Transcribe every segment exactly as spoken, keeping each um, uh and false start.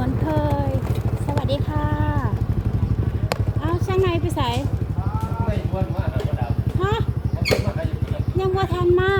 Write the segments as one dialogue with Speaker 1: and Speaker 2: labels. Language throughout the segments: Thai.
Speaker 1: อนเคยสวัสดีค่ะอ้าวช่างในไปใส่
Speaker 2: ไม่ชวนมาครับดาว
Speaker 1: ฮะยังว่าทันมา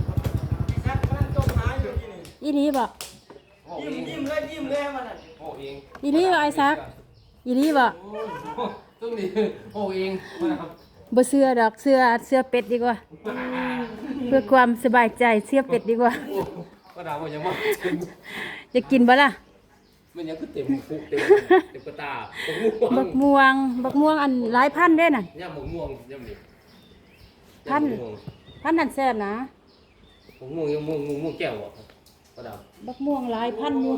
Speaker 1: อีรีบอก
Speaker 3: ยิ้มยิ้มเลยยิ้มเลยมันอ่ะ
Speaker 2: โอ้เอง
Speaker 1: อีรีบอกไอ้ซักอีรีบอก
Speaker 2: ต้องดีโอ้เองครับ
Speaker 1: บ่เสื้อดอกเสื้อเสื้อเป็ดดีกว่าเพื่อความสบายใจเสื้อเป็ดดีกว่า
Speaker 2: ก็ดาวมันยังว่า
Speaker 1: จะกินบ่ล่ะ
Speaker 2: มันยังคือเต็มคุกเต็มเต็มกระตา
Speaker 1: บักม่วงบักม่วงอันหลายพันเด้น่ะ
Speaker 2: ย่าหมูม่วงย่าหมู
Speaker 1: พันพันนั่นแซ่บนะ
Speaker 2: หมูม่วงยังม่วงม่วงแก้วอ่ะก็ดาว
Speaker 1: บักม่วงหลายพันอยู่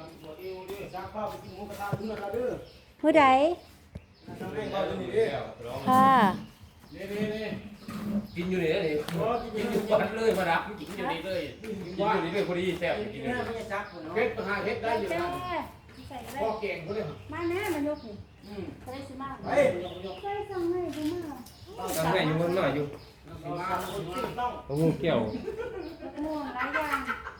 Speaker 1: เมื่อใดค่ะ
Speaker 2: กินอยู่นี่เลยกินอยู่บ้านเลยมาดับกินอยู่นี่เลยกินอยู่นี่เลยพอดีแซ่บกินอยู่นี่เฮ็ดหาเฮ็ดได้อยู่นะพ่อเก่งเขาเลย
Speaker 1: มาแน่มายกนี่เขาได้สิมาเฮ้ยเคยสั่งให้บ่มา
Speaker 2: สั่งให้อยู่มันมาอยู่เขางูแก้ว
Speaker 1: ม่วงหลายอย่าง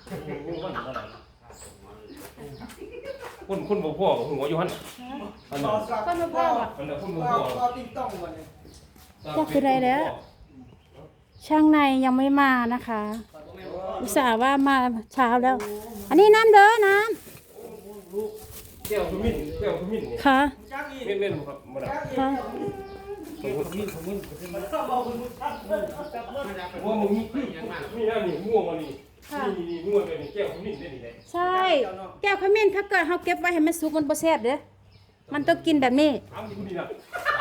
Speaker 2: คนคนบ่พ่อหัวอยู่หั่นอันนั้น
Speaker 1: ก็มาพ่ออ่ะ
Speaker 2: อันนั้นคนบ่พ่อ
Speaker 3: ก็ติ๊งต้องวันนี้
Speaker 1: ก็คือได้แล้ว ช่างในยังไม่มานะคะ อุตส่าห์ว่ามาเช้าแล้ว อันนี้น้ำเด้อน้
Speaker 2: แก้วขมิ้นแก้วขมิ้นนี่
Speaker 1: ำค่ะ
Speaker 2: เม่นเม่นครับบ่ได้
Speaker 1: ค่ะ
Speaker 2: ขมิ้นขมิ้นว่ามึงมีมีอันนี้ม่วงอันนี้นี่นี่ม่วงเป็นแก้วขมิ้นได้นี่แหละ
Speaker 1: ใช่ แก้วขมิ้นถ้าเกิดเราเก็บไว้ให้มันสุกมันบ่แซ่บเด้อมันต้องกินแบบนี้
Speaker 2: ถามดิคุณดีนะ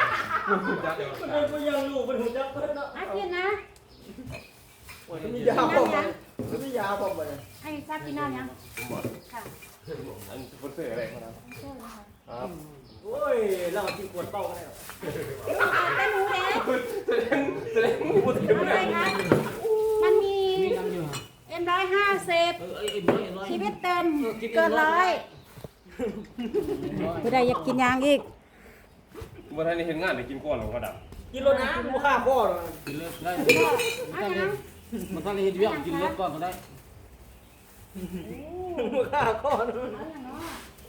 Speaker 3: มันยังลูกมันหุ่นยักษ์เพิ่นเนาะ
Speaker 1: อ่ะกินนะ
Speaker 3: มียาพอมันมียาพอมัน
Speaker 1: ให้ซักกินน้ำยังค่ะ
Speaker 2: อันสปอนเซอร์อะไรครับครับ
Speaker 3: โอ้ยเรากินขวดเต้ากันได้หรอ
Speaker 1: แต่หนูเด้
Speaker 2: แสดงแสดงพูดถึง
Speaker 1: อะไรคะมันมีเอ็มร้อยห้าสิบชีวิตเต็มเกินร้อยผู้ใดอยากกินยางอีก
Speaker 2: บ่ทันได้เห็นงานได้กินก่อนหรอกกระดับ
Speaker 3: กินรถน้ำมูค่าข้อหรอ
Speaker 4: กินเลิกได้
Speaker 1: เอายัง
Speaker 4: มันต้องเรียนเรื่องกินเลิกก่อนก็ได้
Speaker 3: มูค่าข้อ
Speaker 1: เอาอย่างเนาะ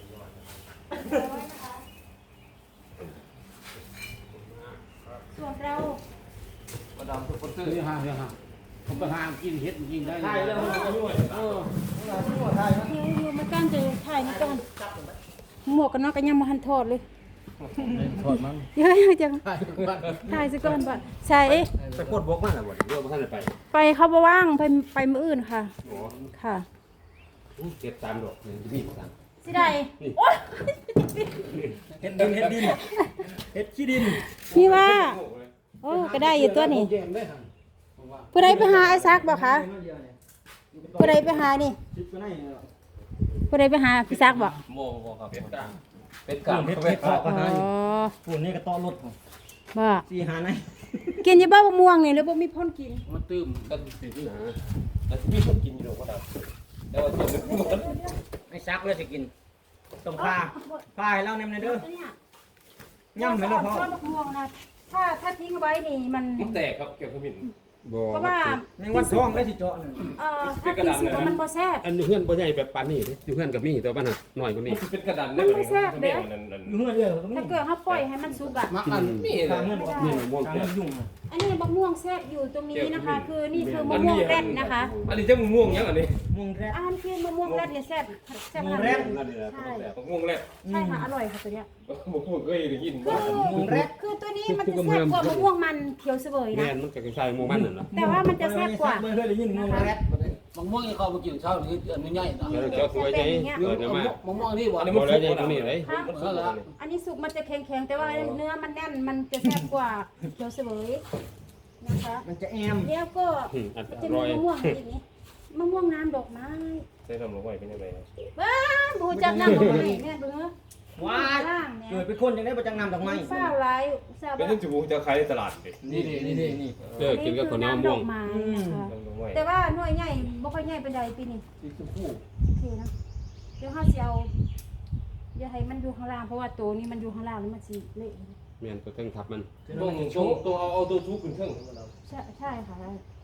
Speaker 1: ส่วนเรา
Speaker 2: กระดับสปอนเซอร์
Speaker 4: เรื่องห้าเรื่องห้าผมไปหากินเฮ็ดกินได้
Speaker 3: ถ่ายแล้วมันก็ยุ่ยเออถ่ายนะ
Speaker 1: อยู่อยู่มาก้านจะถ่ายนี่ก่อนหมวกกันน็อกกันยังมาหันทอดเลย
Speaker 4: ถอดมัน
Speaker 1: เยอะจัง
Speaker 4: ใช่บ้าน
Speaker 1: ถ่ายซะก่อนบ่ใช่
Speaker 4: ไปโคตรบกมากเลยบ่เดี๋ยวบ่ทันได้ไป
Speaker 1: ไปเขาบ่ว่างไปไปมื้ออื่นค่ะ
Speaker 2: โอ้
Speaker 1: ค่ะ
Speaker 2: เก็บตามดอกนี่มีตาม
Speaker 1: สิได้โอ๊ย
Speaker 3: เฮ็ดดินเฮ็ดดินเฮ็ดขี้ดิน
Speaker 1: พี่ว่าโอ้ก็ได้อยู่ตัวนี้
Speaker 4: เกมได้ครับผมว่า
Speaker 1: ผู้ใดไปหาไอ้ซักบ่คะผู้ใดไปหานี่
Speaker 3: คิดก็ได้เนาะ
Speaker 1: ผู้ใดไปหาพี่ซักบ่
Speaker 2: โมโมครับเป็ดกลางเป็ดกลาง
Speaker 3: เฮ็ดเฮ็ดข้าวก็
Speaker 1: อ๋
Speaker 3: หา
Speaker 1: อ
Speaker 3: ฝุ่นนี่ก็ต้อรถ
Speaker 1: บ่
Speaker 3: สี่หาไหน
Speaker 1: กินอยู่บ่มะม่วงนี่หรือบ่มีพ่นกิน
Speaker 4: มันตื้ม
Speaker 2: ก็สิบนะแล้วมีคนกินอยู่กระดับแล้วเจ็บมันหมด
Speaker 3: ไม่ซักเลยสิกินต้องพาพาให้เราแนมในเด้อย่ำให้เราพอ
Speaker 1: ต้นมะม่วงนะถ้าถ้าทิ้งไว้นี่มัน
Speaker 2: มันแตกครับเกี่ยวกับมิ้นบ่
Speaker 1: เพราะว่า
Speaker 3: แมงวันท้องได้สิเจาะนั่น
Speaker 1: เอ่อถ้าทิ้งสุกแล้วมันบ่แซ่บ
Speaker 4: อันเพื่อนบ่ใหญ่แบบปานนี้ดิอยู่เพื่อนกับมีแต่ว่าน่ะน้อยกว่านี้
Speaker 2: มันเป็นกระดานได้แบบนี้นั่นนั่น
Speaker 3: อยู่เฮือนเด้อตรงนี้
Speaker 1: ถ้าเกิดเฮาปล่อยให้มันสุกอ่ะ
Speaker 4: มักอัน
Speaker 2: มี
Speaker 3: ทางเฮือนบ่
Speaker 4: นี่ม่วง
Speaker 3: ทาง
Speaker 4: แก้
Speaker 3: เฮือนยุ่งอ่ะ
Speaker 1: อันนี้มะม่วงแซ่บอยู่ตรงนี้นะคะ คือนี่คือมะม่วงแรดนะคะ
Speaker 2: อันนี้จะม่วงยังอันนี้
Speaker 3: ม่วงแรด
Speaker 1: อันคือมะม่วงแรดเนี่ยแซ่บแซ่บ
Speaker 3: มะม่ว
Speaker 1: ข
Speaker 3: งแร
Speaker 1: นาด
Speaker 3: ด
Speaker 1: นี้
Speaker 4: นั่นนี่แหละ
Speaker 1: ใช่
Speaker 2: ม่วงแรก
Speaker 1: ใช่ค่ะอร่อยค่ะตัวเนี้ย
Speaker 2: บ่พูดเคยได้ยิน
Speaker 1: คือคือตัวนี้มันจะแซ่บกว่ามะม่วงมันเขียวเสวย
Speaker 4: แม่
Speaker 1: นะ
Speaker 4: นมันก็คล้ายๆม่วงมันนั่นน่ะ
Speaker 1: แต่ว่ามันจะแซ่บกว่า
Speaker 3: ไม่เคยได้ยินม่วงแรด
Speaker 4: บางม่วงนี่เขาไปกินเช้านี่อันนี้ใหญ่นะแล้วเจ้าสวยใจเกิดมาบางม่วงนี่บ่
Speaker 2: อันนี้
Speaker 4: บ่
Speaker 2: มัน
Speaker 4: ได้ใหญ่ตรงนี้เลย
Speaker 1: ค่ะอันนี้สุกมันจะแข็งๆแต่ว่าเนื้อมันแน่นมันจะแซ่บกว่าเขียวเสวยนะคะ
Speaker 3: มันจะแอม
Speaker 1: แล้วก็
Speaker 4: อืมอัน
Speaker 1: จะ
Speaker 4: อ
Speaker 1: มี
Speaker 4: ร่อย
Speaker 1: มะม่วงอีกนี้มะม่วงน้ำดอกไม้
Speaker 2: ใช้ทำลงไปเป็นยังไง
Speaker 1: บ้าบูจักน้ำดอกไม้เนี่ยเบิ่งเนอะ
Speaker 3: ว้าย
Speaker 1: ล่างเนี่ย
Speaker 3: เกิดเป็นคนยังได้ประจังนำดอกไม้
Speaker 1: เฝ้าไรทราบ
Speaker 2: เป็น
Speaker 1: ว่า
Speaker 2: เรื่องจูบูจะขายในตลาดดิ
Speaker 4: นี่ดินี่ดินี่
Speaker 1: Ờ,
Speaker 4: เออกินกับข้าวเหนียวมะม่วง
Speaker 1: ดอกไม้นะคะ
Speaker 2: ลงไว้
Speaker 1: แต่ว่าหน่วยใหญ่บ่ค่อยใหญ่เป็นใดปีนี้
Speaker 3: สีชมพู
Speaker 1: โอเคนะเดี๋ยวเฮาสิเอาอย่าให้มันอยู่ข้างล่างเพราะว่าตัวนี้มันอยู่ข้างล่างแล้วมันสิเละ
Speaker 4: แม่นตัวเทิงทับมัน
Speaker 2: ต้องต้องตัวเอาเอาตัวทุกขึ้นเครื่อง
Speaker 1: ใช่ใช่ค่ะ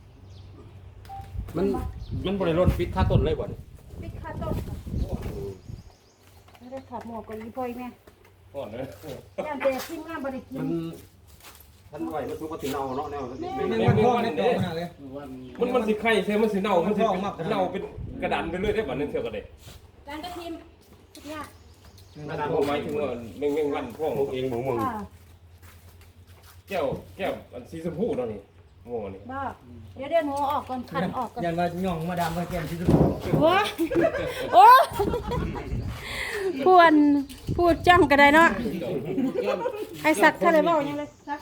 Speaker 4: มันมันบ่ได้ลดฟิตค่าต้นเลยบ่นี่
Speaker 1: ปิดค่าต้นค่ะแล้วได้ถอดหมวกก่อนอีพ่อยแม่
Speaker 2: ก่อนเลย
Speaker 1: ย่านแต่ทีมงานบ่ได้กิ
Speaker 4: มัน นท่านไหวมันทุกข์ถึงเอาเนาะแนว
Speaker 3: แมงวันทองในตัวขนาดเลย
Speaker 2: มันมันสิไข่ใช่มันสิเน่ามันสิเน่าเป็นกระดานไปเรื่อยได้บ่นึงเท่ากันเด้
Speaker 1: การกระทิมเนี่ย
Speaker 2: กระดานผมหมายถึงว่าแมงแมงวันพวก
Speaker 4: พวกเองหมูมึง
Speaker 1: ค่ะ
Speaker 2: แก้วแก้วอันสีชมพูเนาะนี่ม่วงนี่
Speaker 1: บ่เดี๋ยวเดี๋ยวหนูออกก่อนคันออกก่อน
Speaker 3: ยันว่าย่องมาดามมาแกมที่สุด
Speaker 1: ว้าโอ้พูดพูดจ้ำก็ได้เนาะไอ้สักเท่าไรบ่ยังเลยสัก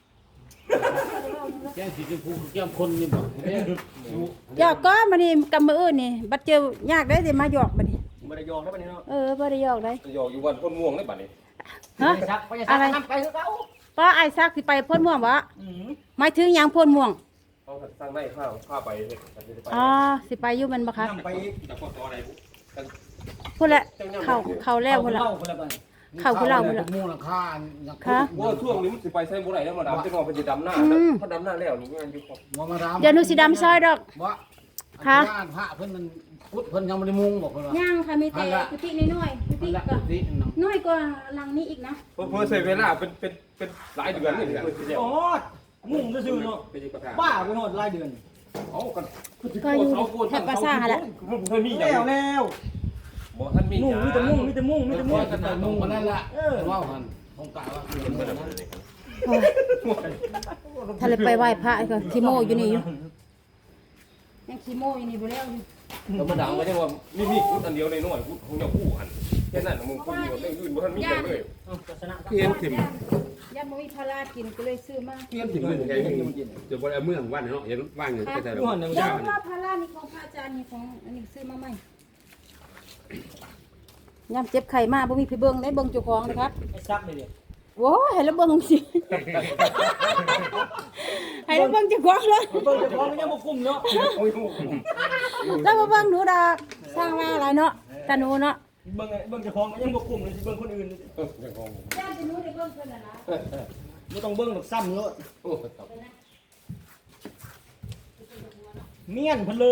Speaker 4: แก้มสีชมพูแก้มคนนี่บ่
Speaker 1: หยอกก็มานี่กับมืออื่นนี่บัดเจอยากได้สิมาหยอกบัดนี้
Speaker 3: บ่ได้ยองได้ปะเนี่ยเนาะ
Speaker 1: เออบ่ได้หยอกได้
Speaker 2: จะยอกอยู่วันพ่นม่วงได้บัดนี้
Speaker 1: ฮะ
Speaker 3: ซักไปซักทำไปคือเก่า
Speaker 1: ป้าไอ้ซักสิไปพ่นม่วงบ่
Speaker 3: อืม
Speaker 1: หมายถึงหยังพ่นม่วง
Speaker 2: เขาสร้างได้ข้าวข้าไปเฮ็ดไป
Speaker 1: อ๋อสิไปอยู่แมันบ่ครับ
Speaker 3: ทำไป
Speaker 2: แต่พอต่ออะไร
Speaker 1: พุ่นแหละเข้าเข้าแล้วพุ่นละ
Speaker 3: คนละบ้าน
Speaker 1: เข้าคือเราพุ่นละ
Speaker 4: มูลค่า
Speaker 1: ค่ะ
Speaker 2: ว่าช่วงนี้มันสิไปใช้บ่ได้แล้วมาดำจะงอไปสิดำหน้าถ้าดำหน้าแล้วนี่งานอยู่ครับ
Speaker 4: บ่มาดาม
Speaker 1: เดี๋ยวหนูสิดำซอยดอก
Speaker 4: บ่พระเพิ่นมันพุทธเพิ่นยังบ่ได้มุงบอกเพิ่นว่า
Speaker 1: ย่างค่ะมีแต่กุฏิน้อยๆกุฏิก็
Speaker 4: นี่นำ
Speaker 1: น้อยกว่าหลังนี้อีกนะ
Speaker 2: เพิ่นใช้เวลาเป็นเป็นเป็นหลายเดือนนี่เพิ่นสิเดียว
Speaker 3: โอ้มุ่งซื่อเนาะ
Speaker 2: เป็นกระทา
Speaker 3: บ้าไปหมดรายเดือน
Speaker 2: เอากัน
Speaker 1: ก็อยู่แถบปราสาทแหละ
Speaker 2: มันบ่มีหยัง
Speaker 3: แล้วแล้ว
Speaker 2: บ่ทันมีห
Speaker 3: มุ่ง
Speaker 2: ยัง
Speaker 3: มีแต่มุ่งมีแต่มุ่งมีแต่มุ่ง
Speaker 4: กันแต่มุงมันนั่นล่ะเออว่าหั่นผมกะว่า
Speaker 1: โอ้ยถ้าเลยไปไหว้พระก็ขี้โมอยู่นี่อยู่ยังขี้โมอยู่นี่บ่แล้วอยู่
Speaker 2: แล้วมาดำก็ยังว่ามีมีกุดอันเดียวในน้อยกุดของเจ้าคู่หันแค่นั้นมึงคนเดียวเรื่องอื่นบ่ทันมีหยังเลย
Speaker 3: ชนะ
Speaker 4: เพียนถิ่ม
Speaker 1: ย่าบ่มีพารากินก็เลยซื้อมา
Speaker 4: เพียนถิ่มเลยแค่นี้จะบ่ได้เมืองวันเนาะเห็นว่างอยู่แต่แต่
Speaker 3: ทุกคนหนึ่ง
Speaker 1: ย่า
Speaker 3: จ้า
Speaker 1: ว่าพารานี่ของพระอาจารย์นี่ของอันนี้ซื้อมาใหม่ย่ำเจ็บไข้มาบ่มีพี่เบิ่งได้เบิ่งเจ้าของนะครับ
Speaker 3: ไอ้ซักเลยเดี๋ยว
Speaker 1: โว้ให้แล้วเบิ่งสิ ให้แล้วเบิ่งเจ้าของเลย
Speaker 3: เบิ่งจะพร้อมยังบ่คุ้มเนาะ
Speaker 1: แล้วบ่เบิ่งหนูดอกสร้างมาหลายเนาะตาหนูเนาะ
Speaker 3: เบิ่งเบิ่งจะพร้อมยังบ่คุ้มเลยสิเบิ่งคนอื่น
Speaker 1: ย่านจะหนูได้เบิ่งเพิ่นน่ะนะ
Speaker 3: บ่ต้องเบิ่งดอกซ้ำเนาะเมียนเพิ่นเลย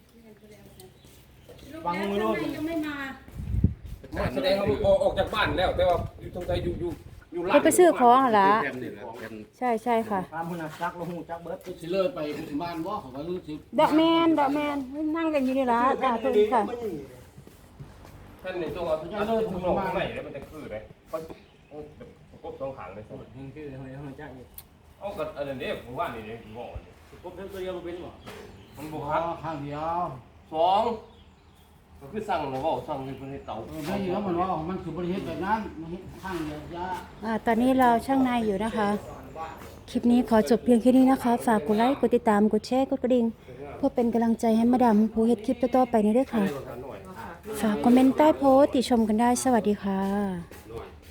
Speaker 3: ฟังมือโลด
Speaker 1: ยังไม่มา
Speaker 2: มาแสดงว่าออกจากบ้านแล้วแต่ว่าอยู่ตรงใจอยู่อยู่อยู่ร้าน
Speaker 1: เพิ่นไปซื้อของหั่นล่ะ
Speaker 4: แผ่นนี่แหละแผ่น
Speaker 1: ใช่ใช่ค่ะ
Speaker 3: ตามพุ่นน่ะซักแล้วฮู้จักเบิด
Speaker 4: สิเลิศไปบ้านบ่เขาว่ารู้สิ
Speaker 1: ดอกแมนดอกแมนนั่งกันอยู่นี่ล่ะตาตัวนี้ค่ะ
Speaker 2: ท่านในตัวท่านเลยทุ่งนอกข้างในแล้วมันจะคือเลยเขากบสองขางเลย
Speaker 3: ยังคือเฮาเฮาจักอยู่
Speaker 2: เอากับอันนี้ผมว่านี่ผมบอกนี่
Speaker 3: กบเพิ่นตัวเดียวบ่เป็นบ่
Speaker 2: มันบ
Speaker 4: บ่
Speaker 2: อก
Speaker 4: ค
Speaker 2: ค
Speaker 4: รั
Speaker 2: รั
Speaker 4: บบ ข้างเดียว
Speaker 2: สองก็คือสั่งหรือว่าสั่งเป็นเตา
Speaker 4: เออได้ยินแล้วมันว่ามันคือบริเฮ็ดแบบนั้นมันเฮ็ดข้างเดียวยา
Speaker 1: อ่าตอนนี้เราช่างในอยู่นะคะ คลิปนี้ขอจบเพียงแค่นี้นะคะ ฝากกดไลค์กดติดตามกดแชร์กดกระดิ่งเพื่อเป็นกำลังใจให้มาดามผู้เฮ็ดคลิปต่อๆไปนี้ด้วยค่ะ ฝากคอมเมนต์ใต้โพสต์ติชมกันได้สวัสดีค่ะ
Speaker 4: หน่อย